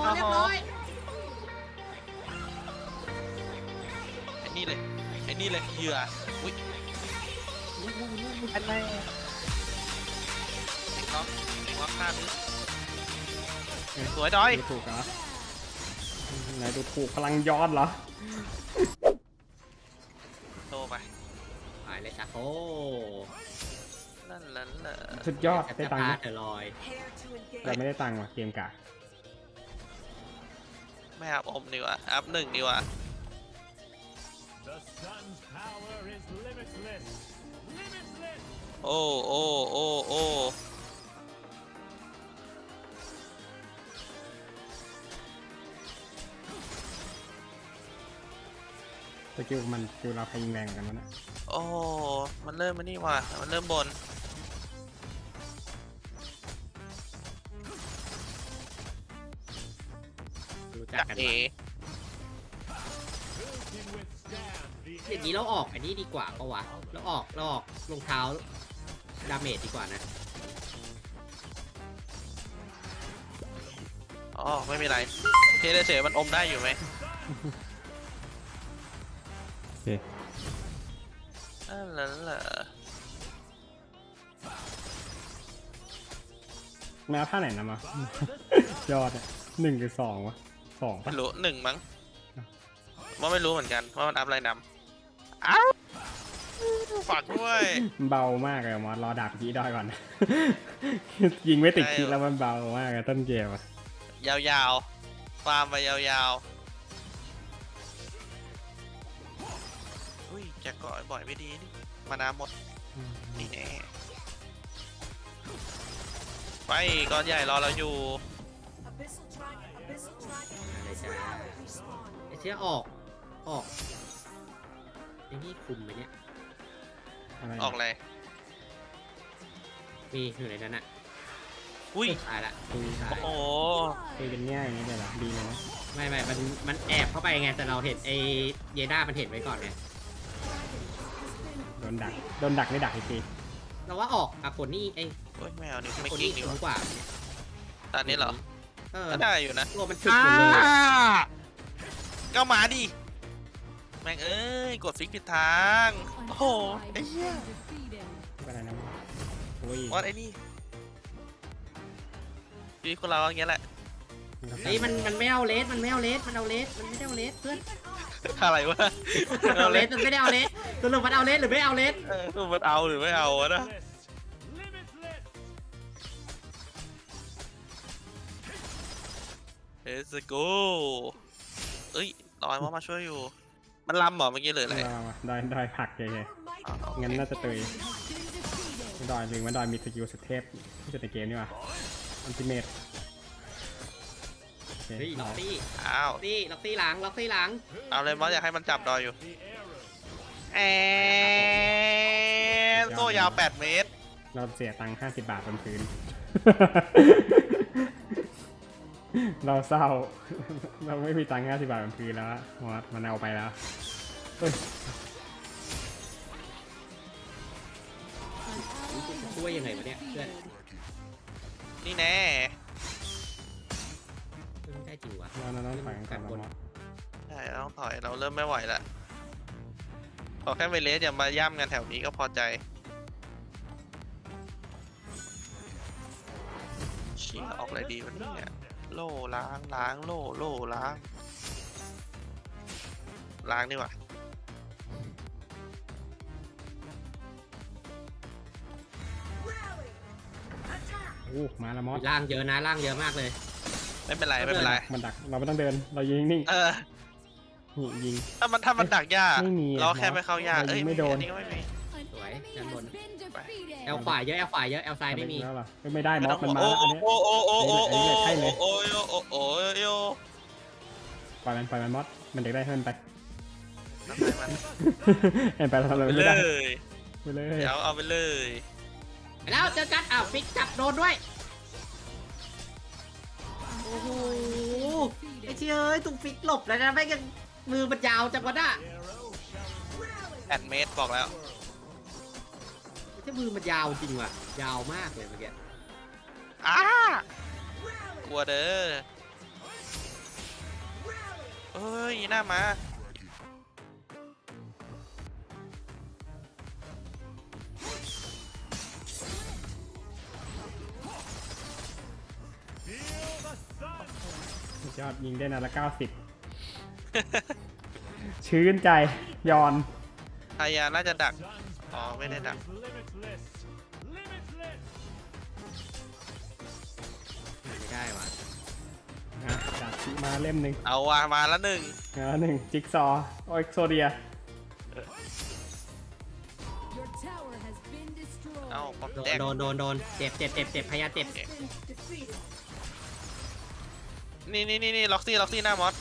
เรียบร้อยไอ้นี่เลยเหยื่ออุ้ยอันไหนเด็กน้องข้ามนี้สวยดอยดูถูกเหรอไหนดูถูกพลังย้อนเหรอโตไปไปเลยจ้ะโอ้นั่นแหละสุดยอดได้จะตังค์พาไหมเธอลอยเราไม่ได้ตังค์ว่ะเกมกะไม่อัพอมดีกว่าอัพหนึ่งดีกว่า The sun's power is limitless. Limitless. โอ้โอ้โอ้โอ้สกิลมันสกิลเราใครยิงแรงกว่ากันวะเนี่ยโอ้มันเริ่มมานี่ว่ะมันเริ่มบนรู้จักจักกันเอวะ Who can withstand the อย่างนี้เราออกอันนี้ดีกว่าปะวะเราออกรองเท้าดาเมจดีกว่านะอ๋อไม่มีไรเทเลเฉยมันอมได้อยู่ไหมโอเคนั่นแหละแม้ท่าไหนนะมา ยอดอะ1 หรือ 2วะ2 ไม่ปะรู้หนึ่งมั้งว่าไม่รู้เหมือนกันว่ามันอัพอะไรนำอ้าวฝากด้วยเบามากเลยมอสรอดาบกี้ดอยก่อน ยิงไม่ติดคิดแล้วมันเบามากเลยต้นเกมอะยาวๆฟาร์มไปยาวๆอุ้ยแจกเกาะบ่อยไม่ดีนี่มานาหมดนี่แน่ไปก้อนใหญ่รอเราอยู่อะไรจ้าไอ้เชี่ยออกไอ้นี่คุมไหมเนี่ยอะไรออกเลยมีอยู่ในนั้นอะอุ้ยตายละคุยตายโอ้โหคุยเป็นแง่อย่างนี้เลยเหรอดีเลยนะไม่มันแอบเข้าไปไงแต่เราเห็นไอ้เยด้ามันเห็นไว้ก่อนไงโดนดักไม่ดักอีกทีเราว่าออกอะคนนี่ไอ้โอ้ยไม่เอาดิไม่คนกิ้นี่งดีสูกว่างกว่าตอนนี้เหรอเออก็ได้อยู่นะตัวมันถึกหมดเลยอะก็มาดิแม่งเอ้ยกดฟิกผิดทางโอ้โหไอ้เหี้ยก็ได้นะโอ้ยวัดไอ้นี่ชีวิตคนเราอย่างเงี้ยแหละเฮ้ยมันไม่เอาเลสมันไม่เอาเลสมันเอาเลสมันไม่ได้เอาเลสเพื่อนอะไรวะมันเอาเลสมันไม่ได้เอาเลสสรุปมันเอาเลสหรือไม่เอาเลสมันเอาหรือไม่เอาวะนะ limitless. เอสโกเอ้ยลอยมาช่วยอยู่ มันลำเหรอเมื่อกี้เลยอะไรดอยผักเฉยอ๋อๆงั้นน่าจะตุยดอยหรือว่าดอยมีสกิลสเทปที่สุดในเกมนี่ว่ะอัลติเมทเฮ้ยล็อกซี่อ้าวล็อกซี่หลังล็อกซี่หลังเอาเลยมอสอยากให้มันจับดอยอยู่ The arrow. แอนโซ่ยาว8 เมตรเราเสียตังค์50 บาทบนพื้น เราเศร้า เราไม่มีตังค์50 บาทบนพื้นแล้วมอสมันเอาไปแล้วเฮ้ยช่วยยังไงวะเนี่ยเพื่อนนี่แน่ไม่ได้จริงวะเราต้องถอยกันก่อนนะมอสใช่เราต้องถอยเราเริ่มไม่ไหวแล้วขอแค่เวเลสอย่ามาย่ำกันแถวนี้ก็พอใจเชี่ยออกอะไรดีวันนี้เนี่ยโล่ล้างโล่ล้างดีกว่าโอ้มาแล้วมอสล่างเยอะนะล่างเยอะมากเลยไม่เป็นไรไม่เป็นไรมันดักเราไม่ต้องเดินเรายิงนิ่งเออนี่ยิงถ้ามันดักยากไม่มีอะเราแค่ไม่เข้ายากเรายิงเอ้ยไม่โดนอันนี้ก็ไม่มีสวยด้านบนแอลขวาเยอะแอลขวาเยอะแอลซ้ายไม่มีแล้วเหรอไม่ได้มไม่อต้สองมันห่วงมาแล้วอันนี้โอ้โอ้โอ้โอ้โอ้ใช่เลยโอ้โอ้โอ้ปล่อยมันมอสมันเด็กได้ให้มันไปทำให้มันเห็นไปทำอะไรไปไม่เลได้ยไปเลยเดี๋ยวเอาไปเลยแล้วเจอกันอ้าวฟิกจับโดนด้วยโอ้โหไอ้เชี่ยเอ้ยถูกฟิกหลบแล้วนะไม่กันมือมันยาวจังวะน่ะ 8 เมตรบอกแล้วไอ้เชี่ยมือมันยาวจริงว่ะยาวมากเลยเมื่อกี้อ้ากลัวเด้อเอ้ยหน้ามา Feel the sun. สุดยอดยิงได้นัดละ90 ชื้นใจยอนพายาน่าจะดัก Sun's Oh, power wait a minute. is limitless. Limitless. ไม่ได้ว่ะนะดาบชิมาเล่มหนึ่งเอาว่ะมาแล้วหนึ่งหนึ่งจิ๊กซอว์โอ็กโซเดีย Your tower has been destroyed. เอาป๊อปโดนแดงโดนเจ็บพยาเจ็บนี่ล็อกซี่หน้ามอส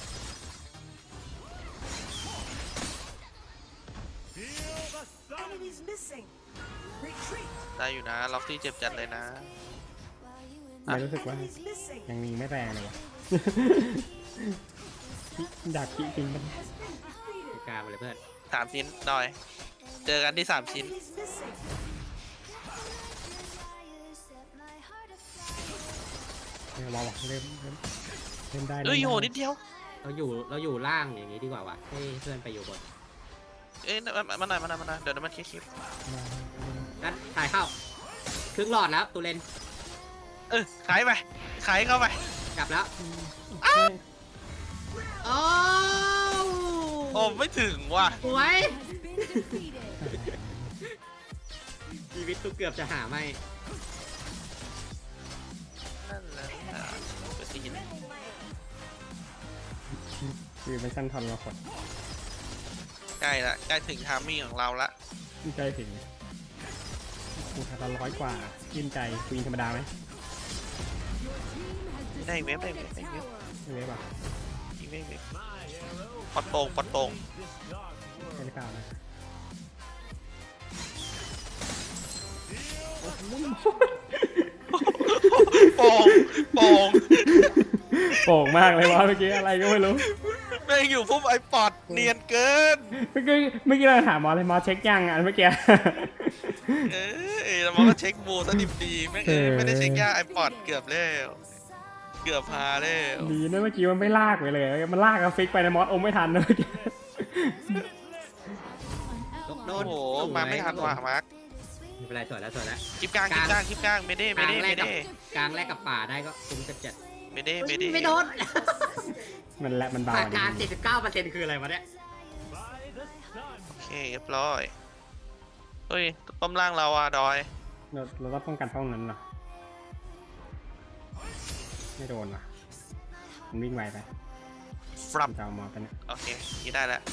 Feel the sun. ได้อยู่นะล็อกซี่เจ็บจัดเลยนะไม่รู้สึกว่ายังยิงไม่แรงเลยวะ ดาบชิจริงมันกล้ามาเลยเพื่อน 3 ชิ้นหน่อย เจอกันที่ 3 ชิ้นเนี่ยรอวะเล่มได้เอ้ยล่มโหได้นิดเดียวเราอยู่ล่างอย่างนี้ดีกว่าวะให้เพื่อนไปอยู่บนเอ้ยมาหน่อยเดี๋ยวมันเคลียร์งั้นถ่ายเข้าครึ่งหลอดแล้วตูเลนขายไปขายเข้าไปกลับแล้วเฮ้ยโอ้โอ้ไม่ถึงว่ะสวย Has been defeated. ชีวิตตูเกือบจะหาไม่นั่นแหละไปซีนคือเป็นสั้นทอนเราขดใกล้ถึงทามมิ่งของเราละใกล้ถึงกูทำละ100 กว่าชื่นใจกูยิงธรรมดาไหม Your team has ได้เว็บ destroyed a tower. ไม่เว็บอ่ะยิงไม่เว็บ My arrow ปอดโป่ง this dark ใช่หรือ world. เปล่านะโป่งโป่งมากเลยวะเมื่อกี้อะไรก็ไม่รู้แม่งอยู่พุ่มไอปอดเนียนเกินเมื่อกี้เราถามหมอเลยหมอเช็คยังอันเมื่อกี้แล้วมันก็เช็คบูสดิบดีแม่งไม่ได้เช็คยาไอปอดเกือบแล้วเกือบพาแล้วดีนะเมื่อกี้มันไม่ลากไปเลย มันลากกับฟิกไปในมอสอมไม่ทันนะเมื่อกี้โดโอ้นโหมาไม่ทันว่ะมาร์คไม่เป็นไรสวยแล้วคลิปกลางเมเด้กลางแรกกับป่าได้ก็คุ้มจัดเมเด้ไม่โดนมันและมันเบาผ่านดีการ 79%คืออะไรวะเนี่ย By the sun. โอเคเรียบร้อยเฮ้ยป้อมล่างเราอะดอยเราต้องป้องกันห้องนั้นเหรอไม่โดนว่ะมันวิ่งไวไปฟรับจะเอามอสไปเนี่ยโอเคนี่ได้แล้ว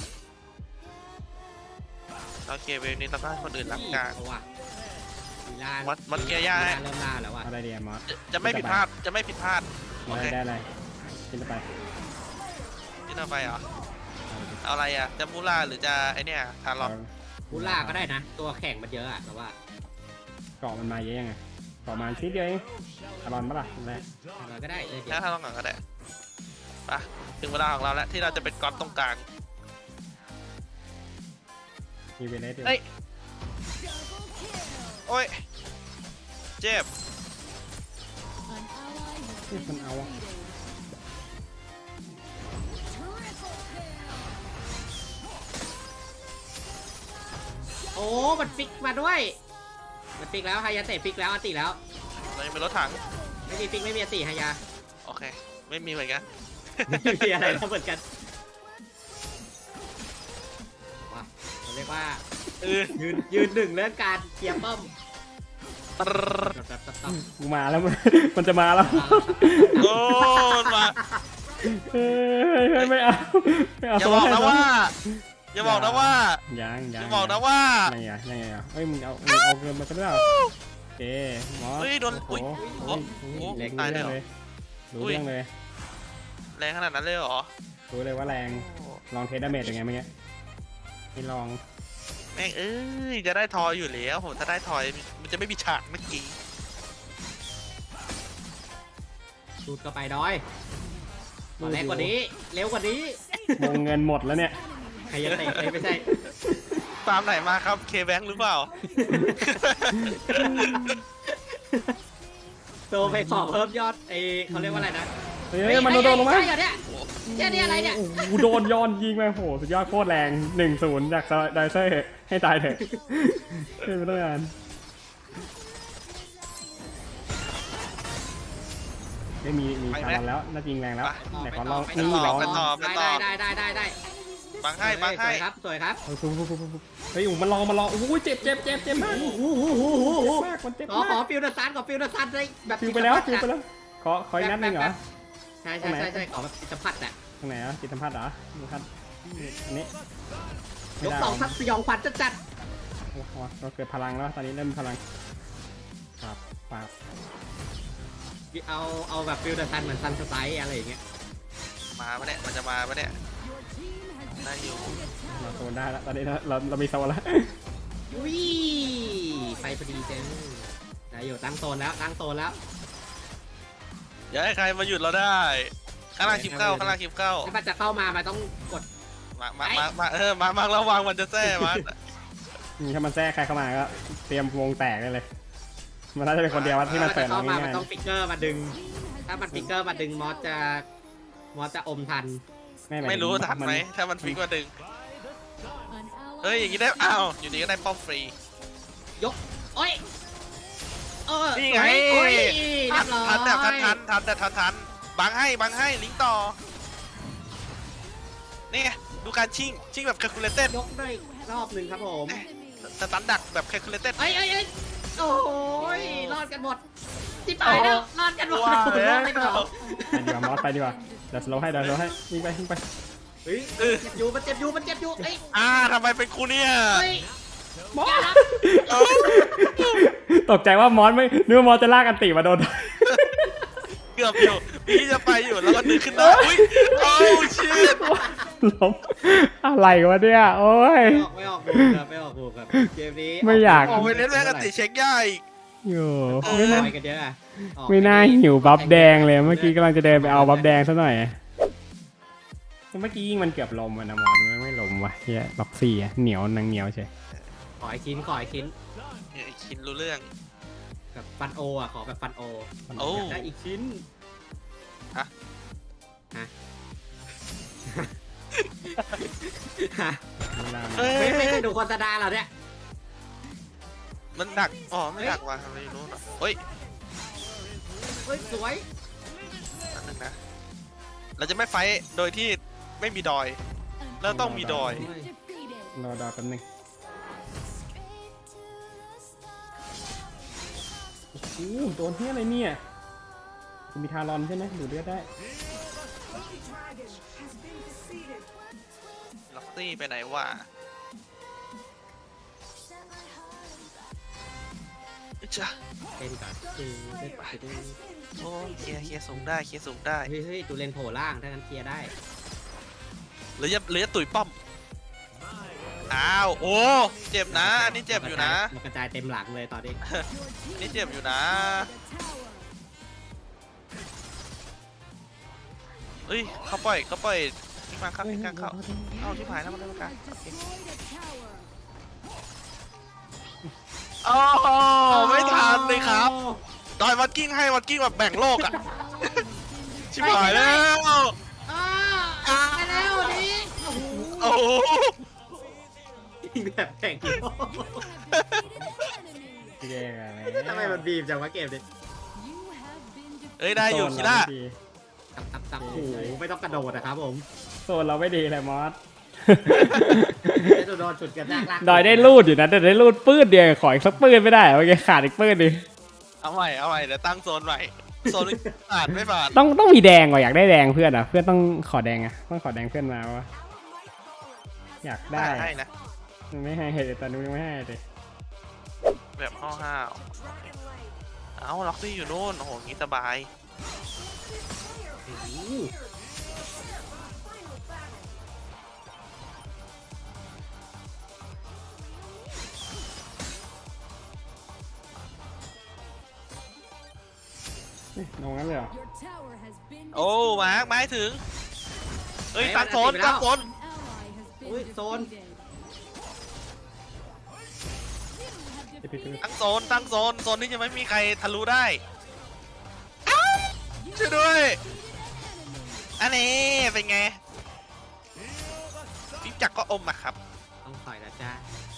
โอเคเวฟนี้เราก็ให้คนอื่นรับกลางเอาว่ะลีลาวัดเกียร์ย่าให้เริ่มล่าแล้วว่ะเอาได้ดีมอสจะไม่ผิดพลาดโอเคได้อะไรกินไปที่เราไปเหรอเอาอะไรอะจะมูล่าหรือจะไอเนี่ยทารอนกูล่าก็ได้นะ ตัวแข่งมันเยอะอะแต่ว่าเกาะมันมาเยอะยังไงเกาะมาชิ้นเดียวเองอารอนปะล่ะแรกเราก็ได้เดี๋ยวถ้าทารอนก่อนก็ได้ไปถึงเวลาของเราแล้วที่เราจะเป็นก๊อตตรงกลางมีเวเลสอยู่เฮ้ย โอ้ยเจ็บ An ally has been มันเอาอะ defeated. Triple kill. โอ้มันฟิกมาด้วย มันฟิกแล้วฮายาเตะฟิกแล้วอติแล้วเรายังเป็นรถถังไม่มีฟิกไม่มีอติฮายาโอเค ไม่มีเหมือนกันไม่มีอะไรแล้วเหมือนกันว้าเราเรียกว่า ยืนหนึ่งเรื่องการเคลียร์ป้อมแบบต้องกูมาแล้ว มันจะมาแล้วโอ้มาเฮ้ยไม่เอาไม่เอาอย่าบอกนะว่า อย่าบอกนะว่ายังอย่าบอกนะว่ายังไงเฮ้ยมึงเอาเกินมาซะแล้วเอ๊หมอเฮ้ยโดนโอ้โหอุ๊ยโอ้โหตายเลยเหรอรู้เรื่องเลยแรงขนาดนั้นเลยเหรอรู้เลยว่าแรงลองเทสดาเมจยังไงเมื่อกี้ไม่ลองแม่งเอ้ยจะได้ทอยอยู่แล้วผมถ้าได้ทอยมันจะไม่มีฉากเมื่อกี้สูดก็ไปดอยมาแรงกว่านี้ เร็วกว่านี้วงเงินหมดแล้วเนี่ยใครจะเตะไม่ใช่ตามไหนมาครับเคแบงหรือเปล่าโตไปขอเพิ่มยอดเขาเรียกว่าอะไรนะเฮ้ยมันโดนลงมาใช่เหรอเนี่ยเจ้านี่อะไรเนี่ยโอ้โหโดนย้อนยิงไปโหสุดยอดโคตรแรง 1-0 จากไดเซอร์ให้ตายเถอะเป็นไปได้งานไม่มีชาลอนแล้วน่าจริงแรงแล้วไหนขอลองนี่ลองได้บังให้บังให้สวยครับสวยครับเฮ้ยมันลองโอ้โหเจ็บมากโอ้โหมากมันเจ็บขอมากฟิลเดอร์ซันได้แบบฟิวไปแล้วขออีกนัดหนึงเหรอใช่ขอแบบจิตสัมผัสอ่ะตรงไหนอ่ะจิตสัมผัสเหรอดูครับอันนี้ยกสองทับสยองขวัญจัดโอ้โหเราเกิดพลังแล้วตอนนี้เริ่มมีพลังปาบเอาแบบฟิลเดอร์ซันเหมือนซันสไตล์อะไรอย่างเงี้ยมาปะเนี่ยมันจะมาปะเนี่ยได้อยู่เราโซนได้แล้วตอนนี้เรามีโซนแล้วอุ้ยไปพอดีเจ้ได้อยู่ตั้งโซนแล้วอย่าให้ใครมาหยุดเราได้ข้างล่างคลิปเข้าถ้ามันจะเข้ามามันต้องกดมาระวังมันจะแท้มันถ้ามันแทรกใครเข้ามาก็เตรียมวงแตกได้เลย มันน่าจะเป็นคนเดียวที่มันเปิดเข้ามาง่ามันยต้องฟิกเกอร์มาดึง ถ้ามันฟิกเกอร์มาดึงมอสจะอมทันๆไม่รู้ทันไหมถ้ามันฟิกมาดึง An ally เฮ้ยอย่างนี้ได้อ้าวอยู่ดีก็ได้ป้อมฟรียกโอ้ยนี่ไงโอ้ยเรียบร้อยทันแต่ทันบังให้ลิงก์ต่อนี่ไงดูการชิงแบบ calculated ยกได้รอบหนึ่งครับผมสตันดักแบบ calculated เอ้ยโอ้ยรอดกันหมดที่ตายแล้วรอดกันหมดว้าวรอดไม่หมดไปดีกว่ามอสไปดีกว่าเดี๋ยวสโลว์ให้วิ่งไปเฮ้ยเจ็บอยู่มันเจ็บอยู่เอ้ยทำไมเป็นกูเนี่ยเฮ้ยมอสตกใจว่ามอสไม่นึกว่ามอสจะลากอันติมาโดนเกือบอยู่พี่จะไปอยู่แล้วก็ดึงขึ้นได้อุ้ยโอ้ชิตล้มอะไรวะเนี่ยโอ้ยไม่ออกบูครับเกมนี้ไม่อยากโอ้ไปเล่นแม่งกันติเช็คย่าอีกอยู่ออกไม่น่าไปกันเยอะอะออกไม่น่าหิวบัฟแดงเลยเมื่อกี้กำลังจะเดินไปเอาบัฟแดงซะหน่อยเมื่อกี้ยิงมันเกือบลมนะมอสไม่ลมว่ะเฮียล็อกซี่เหนียวนางเหนียวใช่ขอไอ้ชิ้นเนี่ยคินรู้เรื่องแบบฟันโออ่ะขอแบบฟันโอโอ้ได้อีกชิ้นฮะไม่เคยดูโฆษณาเหรอเนี่ยมันดักไม่ดักว่ะไม่รู้หรอกเฮ้ยเฮ้ยสวยอันนึงนะเราจะไม่ไฟท์โดยที่ไม่มีดอย แล้วต้องมีดอย defeated. รอดอแป๊บนึงโอ้โหโดนเฮียอะไรเนี่ยคุณมีทารอนใช่ไหมดูดเลือดได้ล็อกซี่ไปไหนวะจ้ะเป็นก่อนโอ้เคลียร์สูงได้เฮ้ยตูเลนโผล่ล่างถ้างั้นเคลียร์ได้หรือจะตุ๋ยป้อมอ้าวโอ้เจ็บนะอันนี้เจ็บอยู่นะมันกระจายเต็มหลังเลยตอนนี้นี่เจ็บอยู่นะ เอ้ยเขาปล่อยทิ้งมาครับทิ้งกลางเข้าเอาที่ผายแล้วมันได้มากัน Destroyed a tower. โอ้ไม่ทันเลยครับดอยวัดกิ้งให้วัดกิ้งแบบแบ่งโลกอะชิบหายแล้วไปแล้วนี่โอ้โหแบบแข่งพี่แย่อะไรทำไมมันบีบจังวะเกมนี้ You have been defeated. เอ้ยได้อยู่คิล่าตับโอ้โหไม่ต้องกระโดดนะครับผมโซนเราไม่ดีเลยมอสไม่ต้องโดนฉุดกันลากดอยได้รูดอยู่นะแต่ได้รูดปื้ดเดียวขออีกสักปื้ดไม่ได้เมื่อกี้ขาดอีกปื้ดนึงเอาใหม่เดี๋ยวตั้งโซนใหม่โซนผ่านไม่ผ่านต้องมีแดงว่ะอยากได้แดงเพื่อนอ่ะเพื่อนต้องขอแดงอ่ะต้องขอแดงเพื่อนมาวะอยากได้ให้นะไม่ให้เหตุแต่นู้นไม่ให้เลยแบบห้าวๆเอาล็อกซี่อยู่นู่นโอ้โหงี้สบายลงงั้นเลยเหรอ Your tower has been โอ้ destroyed. มาร์คไม้ถึงเฮ้ยตั้งโซน An ally has been อุ้ยโซน defeated. You have ปิด defeated ตั้งโซนที่จะไม่มีใครทะลุได้ช่วยด้วย อันนี้เป็นไงฟิปจักรก็อมอะครับต้องถอยแล้วจ้า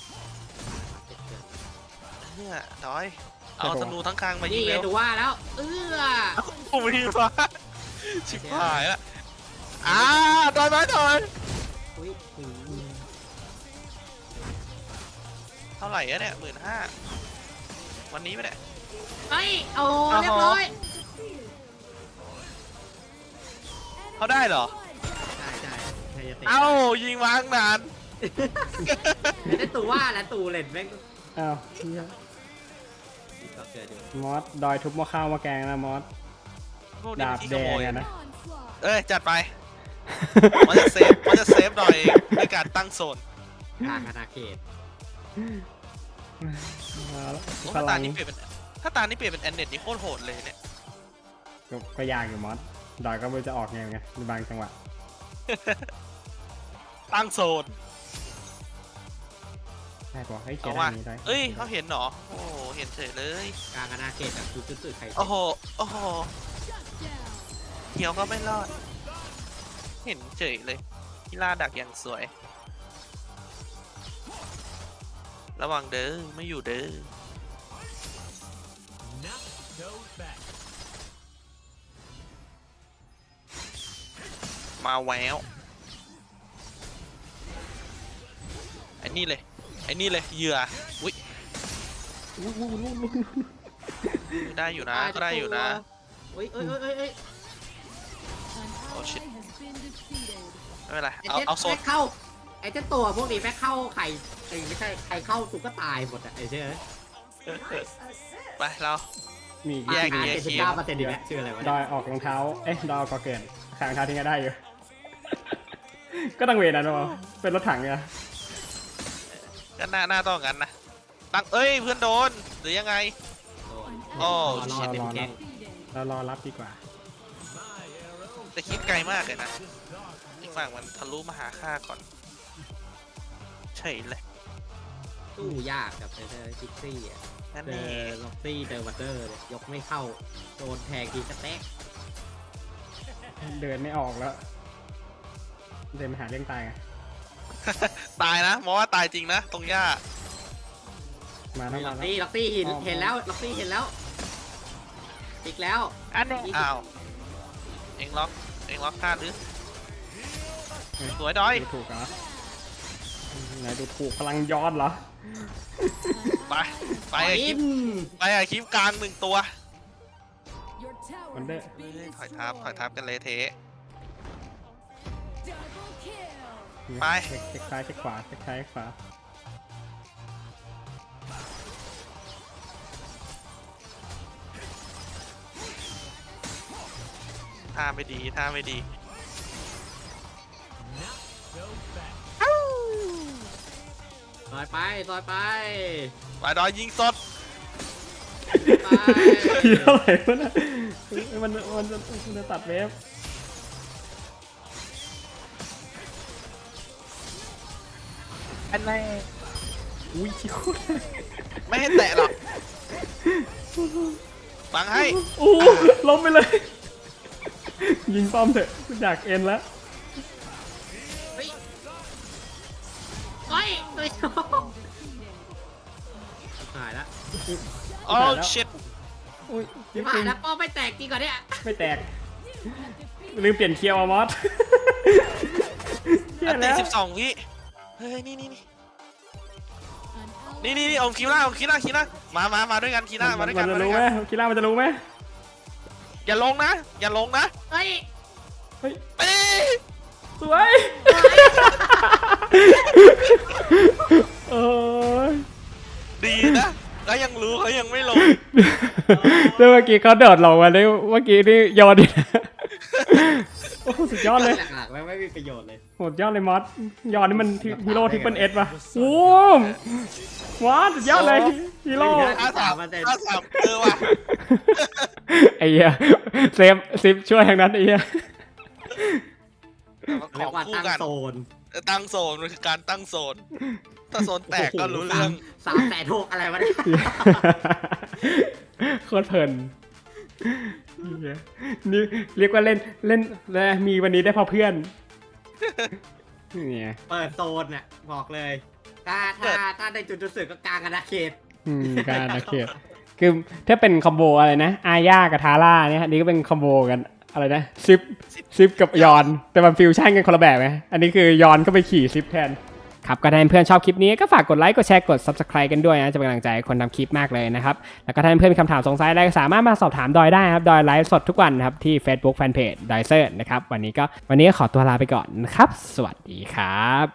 เนี่ยดอยเอาธนูทั้งคางมายินี่งไงเร็วดูว่าแล้วโอ้ยฟ้าชิบหายละดอยไหมดอยอุ้ยเท่าไหร่อะเนี่ย15,000วันนี้ไหมเนี่ยเฮ้ยโอ้เรียบร้อยเขาได้เหรอใช่ใช่ใครจะเตะเอ้ายิงวางนานได้ตูว่าแล้วตูเล่นแม่งอ้าวเหี้ยก็เกิดอยู่มอสดอยทุบหม้อข้าวหม้อแกงนะมอสพวกนี้ดามันบขี้แดขโมงยอะนะ Onslaught. เอ้ยจัดไปมันจะเซฟหน่อยด้วยการตั้งโซนกลางอาณาเขตมาแล้วถ้าพตาลังนี้เปลี่ยนเป็นแอนเน็ตนี่โคตรโหดเลยเนี่ยก็ยากอยู่มอสดอยก็ไม่รู้จะออกไงในบางจังหวะตั้งโซนใช่ปะเฮ้ยเขียเอานว่ะอันนี้ได้เอ้ยเขาเห็นเหรอโอ้โหเห็นเฉยเลยกลางอาณาเขตแบบจุดๆใครโอ้โห Shut down. เหี่ยวก็ไม่รอด เห็นเฉยเลยกีฬาดักอย่างสวย ระวังเด้อไม่อยู่เด้อ Knock goes back. มาแววไอ้นี่เลยเหยื่ออุ้ยได้อยู่นะก็ได้อยู่นะเฮ้ยเอ้ยเอ้ยเอ้ยเอ้ย An Oh, shit. ally has been defeated. ไม่เป็นไรไอ้เอาเจ๊เอาโซนแม่งเข้าไอ้เจ้าตัวพวกนี้แม่งเข้าไข่ไม่ใช่ใครเข้าสุกก็ตายหมดอ่ะไอ้เจ๊ไปเรามีแยกอาแยหารก 79%ดีไหมชื่ออะไรวะดเนี่ยอยออกรองเท้าเอ๊ะดอยออกก็เกิดขางเท้าทิ้งก็ได้อยู่ ก็ต้องเวทนะเนาะเป็นรถถังเนี่ยก็หน้าต้องงั้นนะตั้งเอ้ยเพื่อนโดนหรือยังไงโดนโอ้รอเป็นแก๊ง Defeated. เรารอรับดีกว่าแต่คิดไกลมากเลยนะอีกฝั่งมันทะลุมาหาข้าก่อนเฉยเลยสู้ยากกับเจอคิกซี่อ่ะนั่นเจนี่อล็อกซี่เจอวัตเตอร์เลยยกไม่เข้าโดนแทงทีกระแตกเดินไม่ออกแล้ว เดินมาหาเรื่องตายไงตายนะมองว่าตายจริงนะตรงหญ้ามาแล้วล็มาอกแล้วซี่ล็อกซี่เห็นแล้วล็อกซี่เห็นแล้วอีกแล้วอันนี้อ้าวเอ็งล็อกข้าหรือสวยดอยดูถูกเหรอไหนดูถูกพลังย้อนเหรอไปไปไปไอ้คลิปไปไอ้คลิปกลาง1 ตัว Your tower Wonder. has been ถอยทับกันเลยเทะ Double kill. ไปเช็คซ้ายเช็คขวาเช็คซ้ายเช็คขวาท่าไม่ดี Goes back. ซอยไปซอยไปไปดอยยิงสดไปทีเท่าไหร่วะนะมันจะตัดเวฟอันไหนอุ้ยชิคุไม่ให้แตะหรอกฟังให้โอ้ล้มไปเลย ยิงป้อมเถอะกูอยากเอ็นแล้วเฮ้ยเฮ้ยเฮ้ยหายละโอ้ชิตอุ้ยพี่ผ่านแล้วป้อไม่แตกจริงก่อนเนี่ยไม่แตก ลืมเปลี่ยนเคียวอะมอสเหี้อัยนแล้ตีว 12 วิเฮ้ยนี่ An ally เอาคีล่ามาด้วยกันคีล่ามาด้วยมักันนจะมาด้รู้วยไหมกันกีฬามันจะรู้ไหมอย่าลงนะเฮ้ยเฮ้ยเอ้ยสวยโอ้ยดีนะเขายังรู้เขายังไม่ลงแล้วเมื่อกี้เขาโดดลงมาได้เมื่อกี้นี่ยอดดิโอ้โหสุดยอดเลยหลักๆไม่มีประโยชน์เลยโหดยอดเลยมอสยอดนี่มันฮีโร่ทิปเปิลเอสป่ะโอ้มมอสสุดยอดเลยฮีโร่ 53ว่ะไอ้เหี้ยเซฟซิปช่วยทางนั้นไอ้เหี้ยขเรียองกว่าคู่ตั้งกันโซนตั้งโซนมันคือการตั้งโซน ถ้าโซนแตกก็รู้เรื่อง 300,000อะไรวะเนี่ยโคตรเพลินนี่เรียกว่าเล่นนะมีวันนี้ได้เพราะเพื่อนเนี่ยเปิดโซนน่ะบอกเลยถ้าในจุดสึกก็กลางอาณาเขตการนักเขียนคือถ้าเป็นคอมโบอะไรนะอาญากับทาร่าเนี่ยอันนี้ก็เป็นคอมโบกันอะไรนะซิปกับยอนแต่มันฟิวชั่นกันคนละแบบไหมอันนี้คือยอนก็ไปขี่ซิปแทนครับก็ถ้าเพื่อนชอบคลิปนี้ก็ฝากกดไลค์กดแชร์กด Subscribe กันด้วยนะจะเป็นกำลังใจให้คนทำคลิปมากเลยนะครับแล้วก็ถ้าเพื่อนมีคำถามสงสัยอะไรก็สามารถมาสอบถามดอยได้ครับดอยไลฟ์สดทุกวันนะครับที่ Facebook Fanpage ดอยเซอร์นะครับวันนี้ก็ขอตัวลาไปก่อนนะครับสวัสดีครับ